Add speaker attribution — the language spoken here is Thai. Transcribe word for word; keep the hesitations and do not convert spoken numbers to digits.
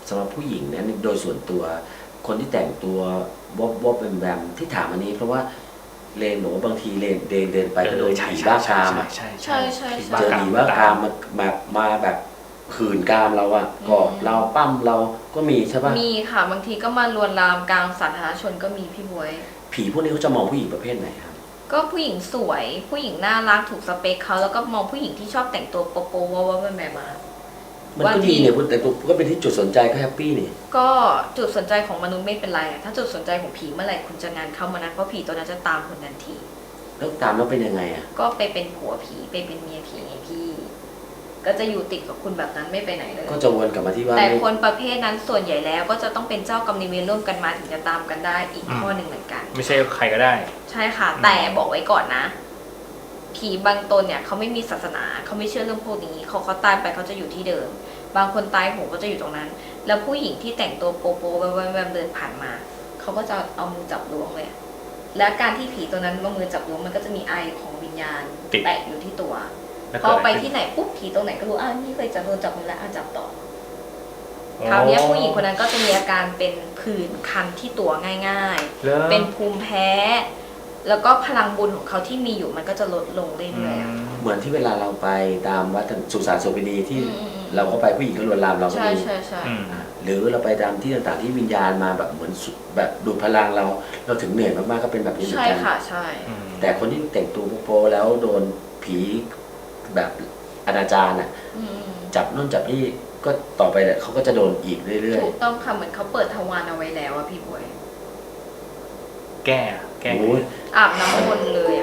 Speaker 1: สำหรับผู้หญิงนะโดยส่วนตัวคนที่แต่งตัววอบวอบแบมแบมที่ถามอันนี้เพราะว่าเลนบอกว่าบางทีเลนเดินเดินไปก็โดนผีบ้ากามอ่ะ
Speaker 2: ใช่
Speaker 3: ใช่ใช่
Speaker 1: เจอผีบ้ากามมาแบบมาแบบขืนกามเราอ่ะกอดเราปั้มเราก็มีใช่ปะ
Speaker 3: มีค่ะบางทีก็มาลวนลามกลางสาธารณชนก็มีพี่บวย
Speaker 1: ผีพวกนี้เขาจะมองผู้หญิงประเภทไหนครับ
Speaker 3: ก็ผู้หญิงสวยผู้หญิงน่ารักถูกสเปคเขาแล้วก็มองผู้หญิงที่ชอบแต่งตัวโป๊ะๆว่าว่าแบบมา
Speaker 1: มันก็ดีเนี่ยแต่ก็เป็นที่จุดสนใจก็แฮปปี้นี่
Speaker 3: ก็จุดสนใจของมนุษย์ไม่เป็นไรอะถ้าจุดสนใจของผีเมื่อไหร่คุณจะงานเข้ามานั้นเพราะผีตัวนั้นจะตามคุณทันที
Speaker 1: แล้วตามแล้วเป็นยังไงอ่ะ
Speaker 3: ก็ไปเป็นผัวผีไปเป็นเมียผีไงพี่ ก็จะอยู่ติดกับคุณแบบนั้นไม่ไปไหนเลย
Speaker 1: ก็จะวนกลับมาที่ว่า
Speaker 3: แต่
Speaker 1: ไม่
Speaker 3: คนประเภทนั้นส่วนใหญ่แล้วก็จะต้องเป็นเจ้ากรรมนายเวรร่วมกันมาถึงจะตามกันได้อีกข้อหนึ่งเหมือนกัน
Speaker 2: ไม่ใช่ใครก็ได้
Speaker 3: ใช่ค่ะ แต่บอกไว้ก่อนนะ ผีบางตนเนี่ยเขาไม่มีศาสนาเขาไม่เชื่อเรื่องพวกนี้เขาเขาตายไปเขาจะอยู่ที่เดิม บางคนตายโหงก็จะอยู่ตรงนั้น แล้วผู้หญิงที่แต่งตัวโป๊ะๆแวมๆเดินผ่านมาเขาก็จะเอามือจับล้วงเลยอะและการที่ผีตัวนั้นเอามือจับล้วงมันก็จะมีไอของวิญญาณ
Speaker 2: ติด
Speaker 3: แปะอยู่ที่ตัว
Speaker 2: แล้ว
Speaker 3: พ
Speaker 2: เกิ
Speaker 3: อ
Speaker 2: ดอะไร
Speaker 3: ไป
Speaker 2: ขึ้น
Speaker 3: ที่ไหนปุ๊บผีตรงไหนก็รู้อ้าวนี่เคยจับโดนจับมือแล้วอ่ะจับต่อ คราวนี้ผู้หญิงคนนั้นก็จะมีอาการเป็นผื่นคันที่ตัวง่าย
Speaker 2: แล้ว
Speaker 3: ๆ เป็นภูมิแพ้ แล้วก็พลังบุญของเขาที่มีอยู่มันก็จะลดลงเรื่อยๆอะ
Speaker 1: เหมือนที่เวลาเราไปตามวัดสุสานโสเภณีที่
Speaker 3: อืมอืมอืม
Speaker 1: เราก็ไปผู้หญิงก็ลวนลามเราก็
Speaker 3: ใช่
Speaker 1: มี
Speaker 3: ใช่ใช่
Speaker 2: อืม
Speaker 1: หรือเราไปตามที่ต่างๆที่วิญญาณมาแบบเหมือนสุดแบบดูดพลังเราเราถึงเหนื่อยมากๆก็เป็นแบบนี้เหมือ
Speaker 3: ใช่
Speaker 1: นกัน
Speaker 3: ค่ะใช่
Speaker 2: อืม
Speaker 1: แต่คนที่แต่งตัวโป๊ะๆแล้วโดนผีแบบอนาจารอ่ะ
Speaker 3: อืมอืม
Speaker 1: จับนู่นจับนี่ก็ต่อไปเนี่ยเขาก็จะโดนอีกเรื่อย
Speaker 3: ถูกต้องค่ะเหมือนเขาเปิดทวารเอาไว้แล้วอะพี่บวย
Speaker 2: แก้แก้
Speaker 1: ๆโอ้ย
Speaker 3: อาบน้ำมนต์เลย